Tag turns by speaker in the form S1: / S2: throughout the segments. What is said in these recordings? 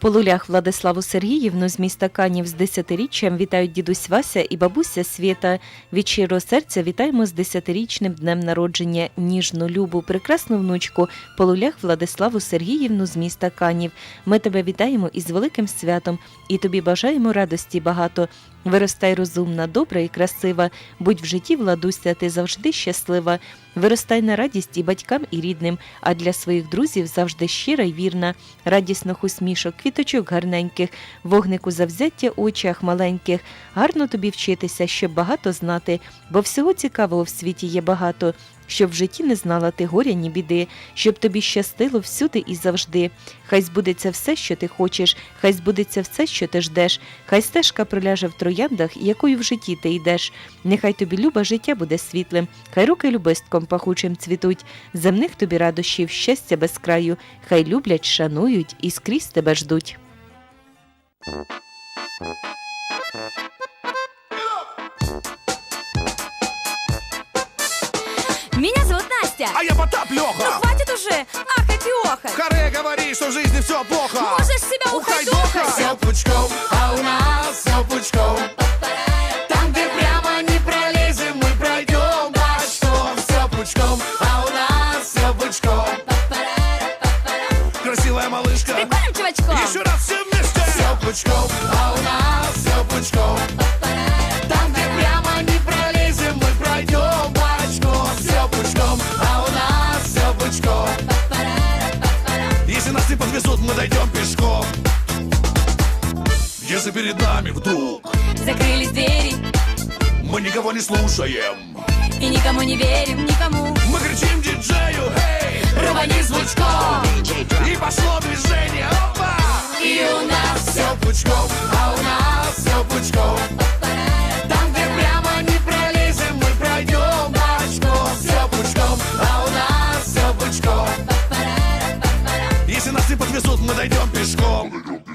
S1: Полулях Владиславу Сергіївну з міста Канів з 10-річчям вітають дідусь Вася і бабуся Свєта. Від щирого серця вітаємо з 10-річним днем народження ніжну, любу, прекрасну внучку Полулях Владиславу Сергіївну з міста Канів. Ми тебе вітаємо із великим святом і тобі бажаємо радості багато. Виростай розумна, добра і красива, будь в житті, Владуся, ти завжди щаслива. Виростай на радість і батькам, і рідним, а для своїх друзів завжди щира й вірна. Радісних усмішок, квіточок гарненьких, вогнику завзяття у очах маленьких. Гарно тобі вчитися, щоб багато знати, бо всього цікавого в світі є багато. Щоб в житті не знала ти горя, ні біди, щоб тобі щастило всюди і завжди. Хай збудеться все, що ти хочеш, хай збудеться все, що ти ждеш, хай стежка проляже в трояндах, якою в житті ти йдеш. Нехай тобі любе життя буде світлим, хай руки любистком пахучим цвітуть, земних тобі радощів, щастя без краю, хай люблять, шанують і скрізь тебе ждуть.
S2: Меня зовут Настя.
S3: А я Потап
S2: Ну
S3: Леха.
S2: хватит уже ахать и охать.
S3: Харе говори, что в жизни все плохо.
S2: Можешь себя ухайдохать.
S3: Все пучком, а у нас все пучком. Там, где прямо не пролезем, мы пройдем бочком. Все пучком, а у нас все пучком. Красивая малышка.
S2: Прикольным чувачком.
S3: Еще раз все вместе. Все пучком, а у нас все пучком. Там, где прямо не пролезем, мы пройдем бочком. Все пучком, а у нас все пучком. Если нас не подвезут, мы дойдем пешком. Если перед нами вдруг
S2: Закрылись двери
S3: мы никого не слушаем,
S2: и никому не верим, никому.
S3: мы кричим диджею, эй,
S2: Рвани звучком.
S3: и пошло движение, опа!
S2: И у нас
S3: Все пучком, а у нас все пучком. Там, где прямо не пролезем, мы пройдем бочком. Все пучком, а у нас все пучком. Если нас не подвезут, мы дойдем пешком.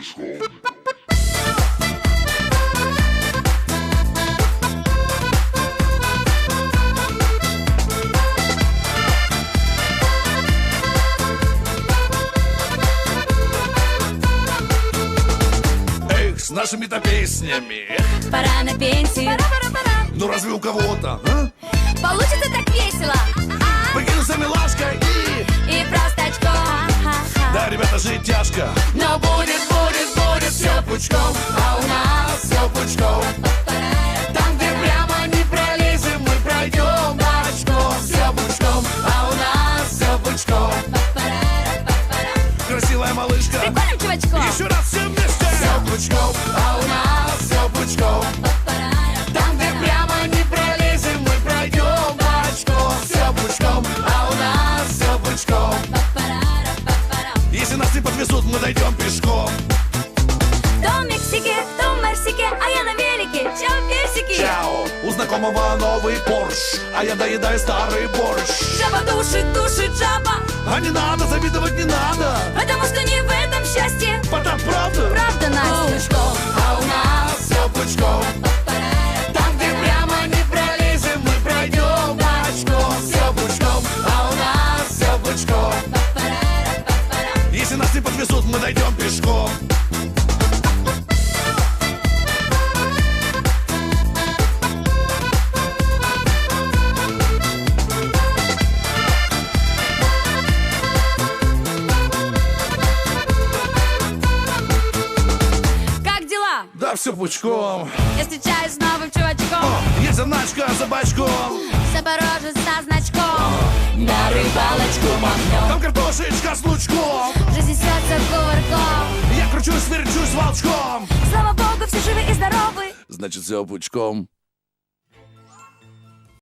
S3: Эх, с нашими-то песнями.
S2: пора на пенсию. Пора.
S3: Ну разве у кого-то, а?
S2: Получится так весело.
S3: Прикинуться милашкой
S2: И просто очко.
S3: Да, ребята, жить тяжко. Но будет все пучком, а у нас все пучком. Там, где прямо не пролезем, мы пройдем бочком. Все пучком, а у нас все пучком. Красивая малышка.
S2: Прикольным чувачком.
S3: Еще раз все вместе. Все пучком, а у нас все пучком. Там, где прямо не пролезем, мы пройдем бочком. Все пучком, а у нас все пучком. Если нас не подвезут, мы дойдем пешком.
S2: То в Мексике, то в Мерсике, а я на велике. Чао, персики.
S3: Чао, у знакомого новый Порш, а я доедаю старый борщ.
S2: Жаба душит жаба.
S3: А не надо, завидовать не надо.
S2: Потому что не в этом счастье.
S3: Потап, правда?
S2: Правда, Настя?
S3: А у нас все пучком. Там, где прямо не пролезем, мы пройдем бочком. Все пучком, а у нас все пучком. Если нас не подвезут, мы дойдем пешком.
S2: Как дела?
S3: Да все пучком.
S2: Я встречаюсь с новым чувачком.
S3: Есть заначка за бочком.
S2: Запорожец со значком. На рыбалочку махнем.
S3: Там картошечка с лучком.
S2: Жизнь несется кувырком.
S3: Я кручусь, верчусь волчком.
S2: Слава богу, все живы и здоровы.
S3: Значит, все пучком.